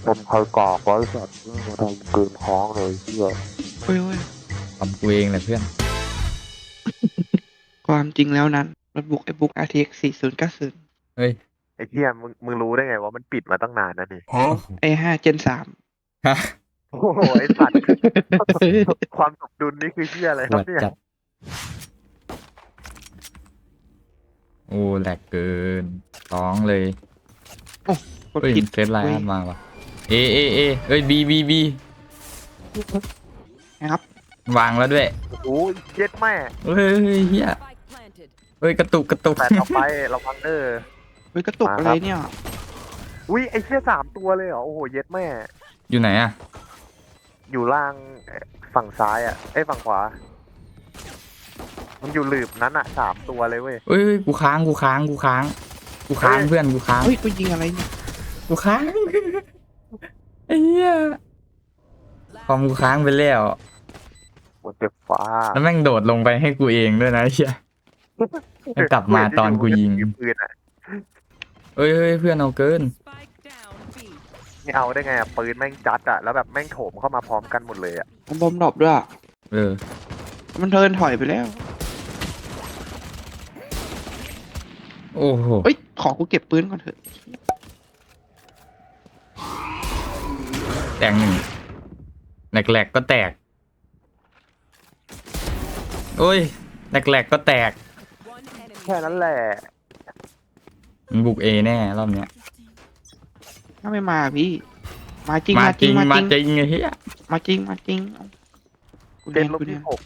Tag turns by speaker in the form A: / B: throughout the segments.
A: เป็นใครกากไว้สัตว์มาทำเกินท้องเลยเฮีย
B: เฮ้ยเฮ้ย
C: ทำกูเองแหละเพื่อน
B: ความจริงแล้วนั้นโน้ตบุ๊กiBook RTX 4090
C: เฮ้ย
A: ไอ้เฮียมึงรู้ได้ไงว่ามันปิดมาตั้งนานนะนี่
B: i5 Gen 3
C: ฮะ
A: โอ้โหไอ้สัตว์ความสมดุลนี่คือเฮียอะไร
C: ป
A: ครั
C: ว
A: บ
C: ด
A: เนี่ย
C: จัดโอ้แหลกเกินร้องเลย
B: กด
C: เฮ้ย
B: ผิด
C: เซตไล
B: เว้ย
C: น์มาว่ะเอเอ้ยบี
B: นะครับ
C: วางแล้วด้วย
A: โอ้ยเย็ดแม่
C: เฮ้ยเฮียเฮ้ยกระตุก
A: แปดต่อไประวังเด้อ
B: เฮ้ยกระตุกอะไรเนี่ย
A: อุ้ยไอ้เชี่ย3 ตัวเลยเหรอโอ้โหเย็ดแม่
C: อยู่ไหนอะ
A: อยู่ล่างฝั่งซ้ายอ่ะไอ้ยฝั่งขวา มันอยู่หลืบนั้นอ่ะ3 ตัวเลยเว้ย
C: เฮ้ยกูค้างเพื่อนกูค้าง
B: เฮ้ยกูยิงอะไรเนี่ย
C: กูค้างไอ้เหี้ยความกูค้างไปแล้ว
A: หมดเจ็บฟ้า
C: แล้วแม่งโดดลงไปให้กูเองด้วยนะไอ้เหี้ย ให้กลับมาตอนกูยิง
A: ปืนอ่ะ
C: เฮ้ยเพื่อนเอาเกิน
A: ไม่เอาได้ไงอ่ะปืนแม่งจัดอ่ะแล้วแบบแม่งโถมเข้ามาพร้อมกันหมดเลยอ่ะ
B: มันบอมดรอปด้วยอะ
C: เออ
B: มันเทิร์นถอยไปแล้ว
C: โอ้โห
B: เฮ้ยขอกูเก็บปืนก่อนเถอะ
C: แตกหนึ่งแหลกๆก็แตกโอ้ยแหลกๆก็แตก
A: แค่นั้นแหละ
C: มันบุกเอแน่รอบเนี้ย
B: ถ้าไม่มาพี่ มาจริง
C: มาจริง
B: มา
C: มา
B: จ
C: จ
B: ริง
C: ริงไอ้เหี้ย
B: มาจริงมาจริงกู
A: เจ็
B: เรี
A: ด
B: ยน
A: ลบ
B: กูเรีย
A: ที่
B: น
A: 6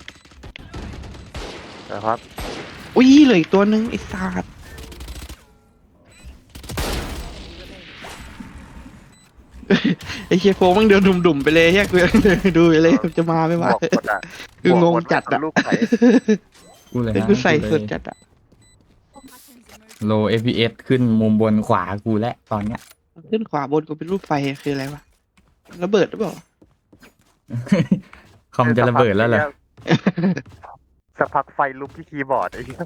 A: นะครับ
B: อุ้ยเหลืออีกตัวหนึงไอ้สัตว์ไอ้เชียโฟมันเดินดุ่มๆไปเลยเฮียกูยังเดินดูไปเลยจะมาไม่
A: บ
B: มา
A: วกหมดอ่ะ
B: คืองง
A: บวกหม
B: จัดอะ
A: ลูกไหน
C: กูเลย
B: แต่
C: นะ
B: กูใส่สุดจัดอะ
C: โล FPS ขึ้นมุมบนขวากูและตอนเนี้ย
B: ขึ้นขวาบนกูเป็นรูปไฟคืออะไรวะระเบิดหรือเปล่า
C: คอมจะระเบิดแล้วเหรอ
A: สักพักไฟลุกที่คีย์บอร์ดไอ้เหี้ย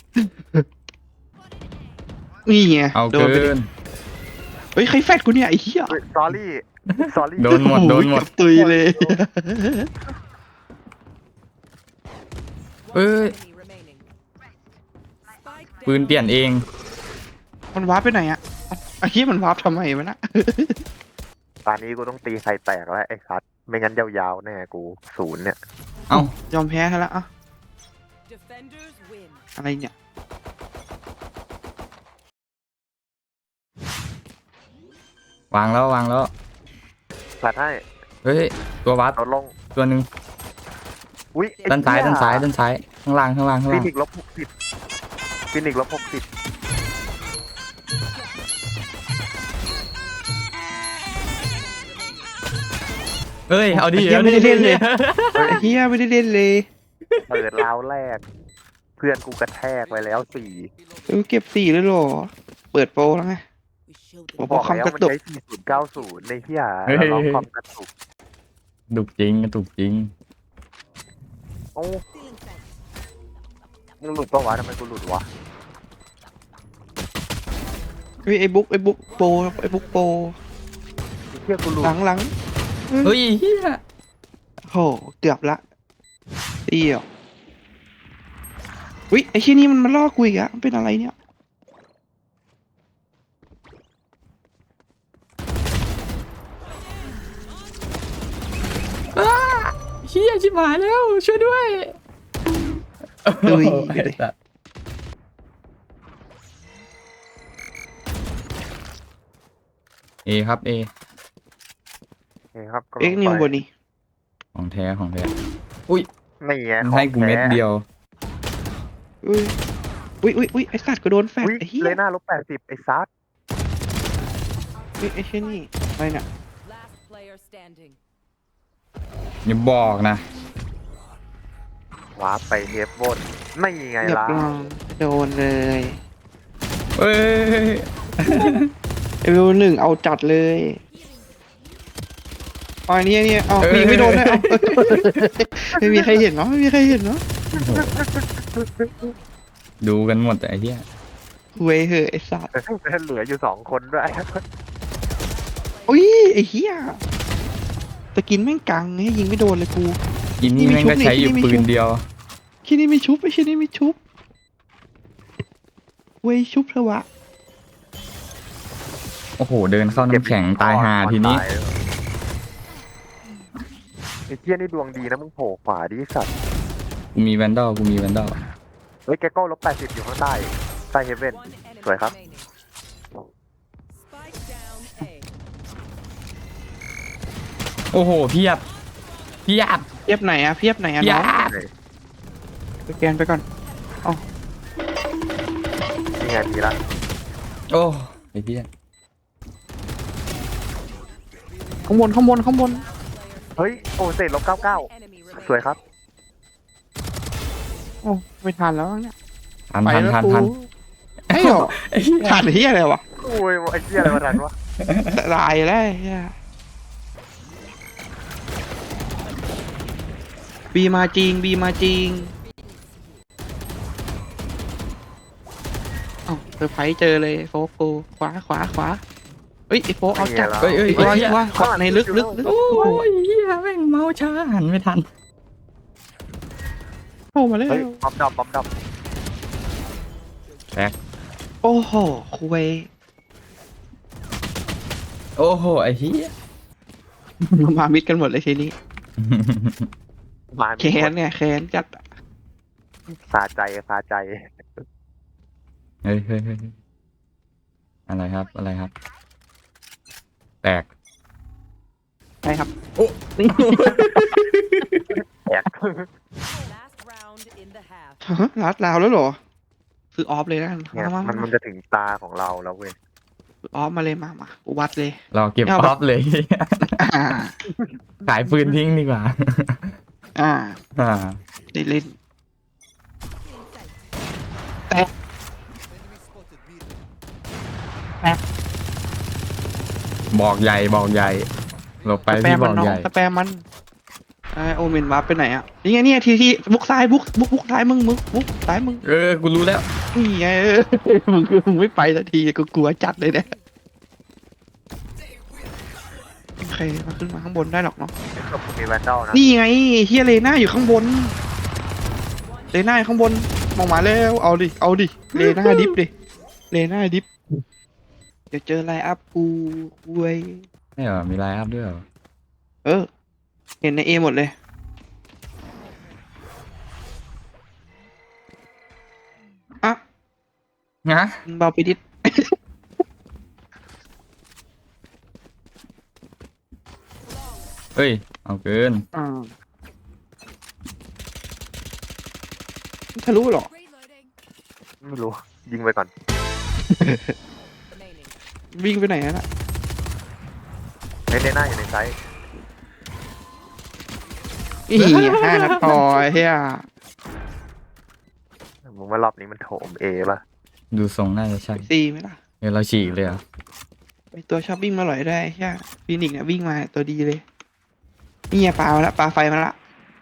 B: นี่ไง
C: เอา
B: โด
C: เกิ
B: นไปดิ
C: น
B: เฮ้ยใครแฟดกูเนี่ยไอ้เหี้ย
A: สอรี่สอรี่
C: โดนหมดโดนหมด
B: เกือบตุยเลย
C: เอ้ยปืนเปลี่ยนเอง
B: มันวาร์ปไปไหนอะเอ้าไอ้เหี้ยมันวาร์ปทำไมวะนะ
A: ตอนนี้กูต้องตีไข่แตกแล้วไอ้คัทไม่งั้นยาวๆแน่กู0เนี่ย
C: เอ้าย
B: อมแพ้ให้แล้วอะอะไรเนี่ย
C: วางแล้ว
A: ตัดให้
C: เฮ้ยตัววัด
A: ลดลง
C: ตัวหนึ่ง
A: อุ้ยไอ้
C: ด้านซ้าย
A: เหี้
C: ข้างล่าง
A: ฟินิกซ์ลบ60ฟินิกซ์ลบ60
C: เฮ้ยเอาดิ
B: ไอ้เหี้ยไม่ได้เล่นเลยไอ้เหี้ยไม่ได้เล่นเลย
A: เปิดราวแรก เพื่อนกูกระแทกไปแล้ว4
B: เก็บ4เลยเหรอเปิดโปรแล้วไง โอ้โห
A: บอก
B: คอม
A: แล้ว
B: กระ
A: มัน
B: ตุก
A: ใช้4090ในเหี้ยแล้วล็อกคอมกระตุก
C: ดุกจริง
A: โอ้มึงหลุดปะวะทำไมกูหลุดวะ
B: เฮ้ยไอ้บุ๊กโปรไอ้บุ๊กโปร
A: ไอ้เหี้ยกูหลุด
B: หลัง
C: เฮ้ยเฮีย
B: โหเกือบละเดี่ยวอุ้ยไอ้เชี่ยนี่มันมาล่อกูอีกอะมันเป็นอะไรเนี่ย
C: เฮียชิบหายแล้วช่วยด้วย
B: ดุย
C: ไอ้สัสเอครับเอ
A: โอเคครับ
B: เอ็กนิวบนนี้
C: ของแท้
A: นี่ไง
C: มันให้กูเม็ดเดียว
B: อุ้ยไอ้สัตว์ก็โดนแฟด
A: อุ้ย
B: ไอ้เหี้ย
A: เลยหน้า-80ไอ้ซัด
B: ไอ้เชี่ยนี่อะไรเนี่ย
C: อย่าบอกนะ
A: วาร์ปไปเฮฟบนไม่ไง
B: เรียบ
A: ล่ะ
B: ร้อยโดนเลย
C: เอ้ย
B: เอว1เอาจัดเลยอ๋อเนี่ยเอามีไม่โดนเลยเอาไม่มีใครเห็นเนาะไม่มีใครเห็นเนาะ
C: ดูกันหมดแต่ไอ้เหี้ย
B: เว้ยเหอะไอ้สัตว์
A: เหลืออยู่2 คนด้วย
B: อุ้ยไอ้เหี้ยตะกินแม่งกังให้ยิงไม่โดนเลยกู
C: อินนี่แม่งก็ใช้อยู่ปืนเดียว
B: คิดนี่ไม่ชุบไอ้คิดนี่ไม่ชุบเว้ยชุบเถอะวะ
C: โอ้โหเดินเข้าน้ำแข็งตายหาทีนี้
A: ไอ้เหี้ยนี่ดวงดีนะมึงโผล่ขวาดิสัตว์
C: กูมีแวนดอล
A: เฮ้ยแกโก้-80อยู่ข้างใต้ใต้เฮเว่น
D: One enemy
A: สวยครับ
D: remaining. Spike down A.
C: โอ้โหเพียบ
B: เพียบไหนอะเพียบไหนอะ
C: เพีย
B: น้อง
C: บ
B: สแกนไปก่อน
A: นี่ไงมีละ
C: โอ้ไอ้เพีย
B: ข้างบนข้างบนข้างบน
A: เฮ้ยโอ้เศษ-99
D: Enemy
A: สวย
D: remaining.
A: ครับ
B: โอ้ไม่ทันแล้วเนี่ย
C: ทัน
B: ไป
C: ทัน
B: แล้ว
C: ทัน
B: กู
C: ทัน
B: ไอ้เหรอ
C: ไอ้เหี้ย
B: ทันเฮียอะไรวะ
A: โอ้ยไอ้เหี้ยอะไรมาทันวะ
B: ลายแล้วไอ้เฮียบีมาจริงบีมาจริงเอ้าเซอร์ไพรส์เจอเลยโฟกกูขวาเฮ้ยไอ้โฟกเอาจัด
C: เอ้ย
B: ไอ้
C: ไอ้เหี้ย
B: ว่าขวาในลึก
C: โอ้ยเหี้ยแม่งเมาช้าหันไม่ทัน
B: เข้ามาแล้ว
A: เฮ้ยบอมดับ
B: โอ้โหคุย
C: โอ้โหไอ้เหี้ย
B: มามิดกันหมดเลยทีนี้
A: มา
B: แค้นเนี่ยแค้นจัด
A: สาใจ
C: เฮ้ยอะไรครับ แตก
B: ใช่ครับ
A: แอก
D: Last round in the half.
B: ฮะลัดลาวแล้วเหรอซื้อออฟเลยนะ
A: เนี่ย
B: มา
A: มันจะถึงตาของเราแล้วเว้ย
B: ซื้อออฟมาเลยมากูวัดเลย
C: เราเก็บ
B: เอา
C: อ
B: แบบ
C: อฟเลย
B: อ่า
C: ขายปืนทิ้งดีกว่า
B: อ่า
C: อ่า
B: ได้เล่น
C: บอกใหญ่หลบไป
B: สแป
C: พี่
B: ม
C: บ
B: มั
C: อน ก
B: น้อ
C: ให
B: ง
C: ญ่
B: สแปมมันโอเมนวาร์ปไปไหนอ่ะนี่ไงเนี่ยทีบุกซ้ายบุกซ้ายมึงบุกซ้ายมึง
C: กูรู้แล้ว
B: นี่ไงมึงไม่ไปสักทีกูกลัวจัดเลยเนี่ยโอเคมาขึ้นมาข้างบนได้หรอกเนาะ
A: กับมีแวนดอลนะ
B: นี่ไงเฮียเลน่าอยู่ข้างบนเลน่าอยู่ข้างบนมองมาแล้วเอาดิเลน่าดิฟดิเลน่าดิฟเดี๋ยวเจอไลน์อัพกูเว้ย
C: ไม่เหรอมีไลน์อัพด้วยเหรอ
B: เห็นในเอหมดเลยอ่ะ
C: งะ
B: มึงเบาไปดิด
C: เฮ้ยเอาเกิน
B: ทะลุเหรอ
A: ไม่รู้ ยิงไปก่อน
D: Remaining.
B: วิ่งไปไหนน่ะ
A: ในหน้าอยู่ในไซส์
B: อี5 นัดพอเฮีย
A: มึงว่ารอบนี้มันโถมเอป่ะ
C: ดูทรงน่าจะใช่
B: ซีไหมล่ะ
C: เดี๋ยวเราฉีกเลยเหรอ
B: ไอตัวชอบวิ่งมาหล่อยได้เฮียฟีนิกซ์เนี่ยวิ่งมาตัวดีเลยนี่ไงปลามาละปลาไฟมาละ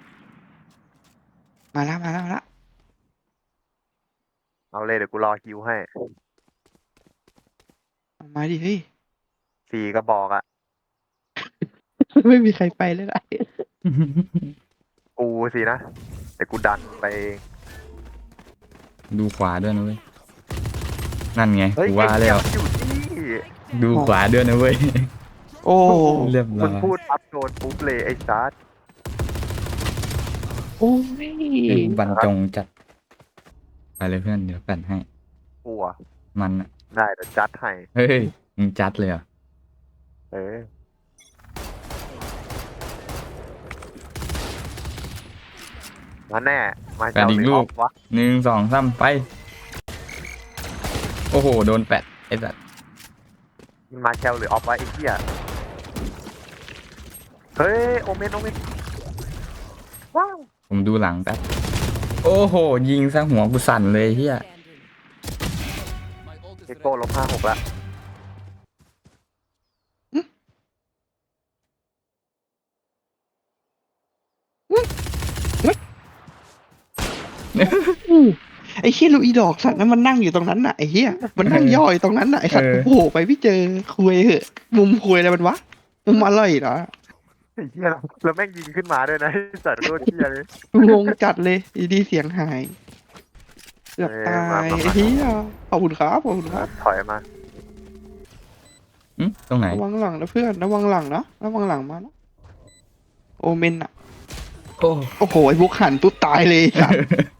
B: มาละ
A: เอาเลยเดี๋ยวกูรอคิวให้
B: เอามาดิเฮ้ย
A: 4 กระบอกอ่ะ
B: ไม่มีใครไปเลยล่ะ
A: กูสินะเดี๋ยวกูดันไปเอง
C: ดูขวาด้วยนะเว้ยนั่นไง
A: เฮ้ย
C: กูว่าแล้ว
A: ไอ้เหี้ยมันอยู่ที่
C: ดูขวาด้วยนะเว้ย
B: โอ้
C: เรียบร้
A: มึ
C: อง ย
A: พูดปั๊บโดนปุ๊บเลยไอ้ซาร์
B: โอ้ย
C: เฮ้ยบรรจงจัดไปเลยเพื่อนเดี๋ยวแปดให้
A: กลัว
C: มันอะ
A: ได้แต่จัดให้
C: เฮ้ยมึงจัดเลยเหรอ
A: เออมาแน่ มาเจ้าหรือออกวะ
C: 1 2 3ไปโอ้โหโดนแปดไอ้สัส
A: มันมาแชลหรือออฟวะไอ้เหี้ยเฮ้ยโอเมนว้าว
C: ผมดูหลังแป๊บโอ้โหยิงซะหัวกูสั่นเลยเฮีย
D: Standing.
A: เอโก้-56ละ
B: ไอ้เฮียลูกอีดอกสัตว์นั้นมันนั่งอยู่ตรงนั้นน่ะไอ้เฮียมันนั่งย่ออยู่ตรงนั้นน่ะไอ้สัตว์โอ้โหไปพี่เจอคุยเหอะมุมคุยอะไรมันวะมึงมาไล่เหรอ
A: ไอ้เหี้ยแล้วแม่งยิงขึ้นมาด้วยนะไอ้สัตว์โคตรเหี้ยเลย
B: งงจัดเลยอยู่ดีเสียงหายเกือบตายไอ้เหี้ยขอบคุณครับขอบคุณครับ
A: ถอยมา
C: ตรงไหน
B: ระวังหลังนะเพื่อนระวังหลังนะระวังหลังมานะโอเมนอะ
C: โอ้
B: โอ้โหไอ้บุกหันปุ๊บตายเลยไอ้สัตว์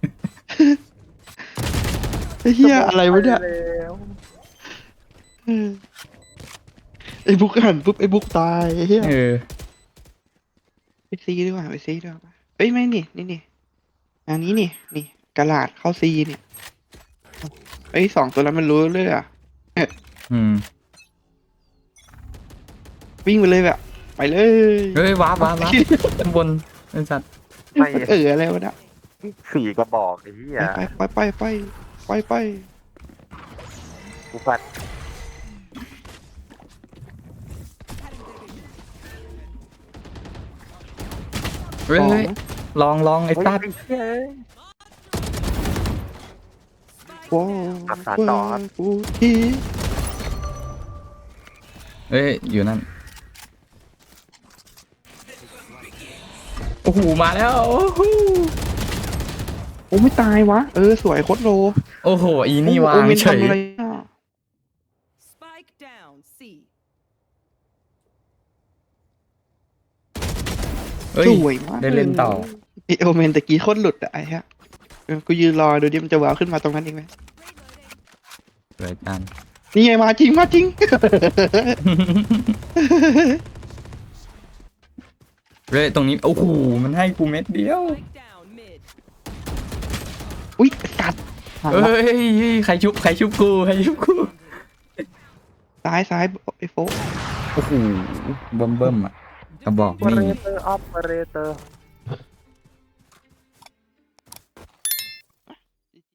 B: ไอ้เหี้ยอะไรวะเนี่ย
A: ไปแล้ว
B: เออไอ้บุกหันปุ๊บไอ้บุกตายไอ้เหี้ย
C: เออ
B: ไปซีดีกว่าไปซีดีกว่าเอ้ยไม่นี่อันนี้นี่กระลาดเข้าซีเนี่ยเอ้ยสองตัวนั้นมันรู้เลยอ่ะ
C: อืม
B: วิ่งไปเลยแบบไปเลย
C: เฮ้ยว้าบข้างบนไอ้สัตว์
A: ไม่
B: อะไรวะเนี่ย
A: สี่กระบอกไอ้เหี้ย
B: ไป
A: กูฟัด
C: เฮ้ย
B: สอง
C: เฮ้ยลองไอ้สัตว์
A: เฮ้ยเหี้ย
B: ว้าว
A: อักษรต่อครับ
B: กูที
C: เฮ้ยอยู่นั่นโอ้โหมาแล้วโอ้โห
B: โอ้ไม่ตายวะสวยโคตรโล
C: โอ้โหอีนี่วา
B: โอง เมน
C: เฉย
B: ทำอะไรอ่ะ
D: Spike down. C.
C: เฮ้ย
B: สวยมาก
C: ได้เล่นต่อ
B: ไอโอเมนตะกี้โคตรหลุดอะไอ้ฮะกูยืนรอดูดิมันจะว้าวขึ้นมาตรงนั้นเองไหม
C: สวยจัง
B: นี่ไงมาจริง
C: เฮ้ยตรงนี้โอ้โหมันให้กูเม็ดเดียว
D: Spike down mid.
B: อุ้ยกัดหา
C: เฮ้ยใครชุบกู
B: ซ้ายไอ้โฟก
C: โอ้โหเบิ่มอ่ะกระบอก
A: ออเปอเร
C: นี่
A: เตอร์ออปเปอเรเตอร์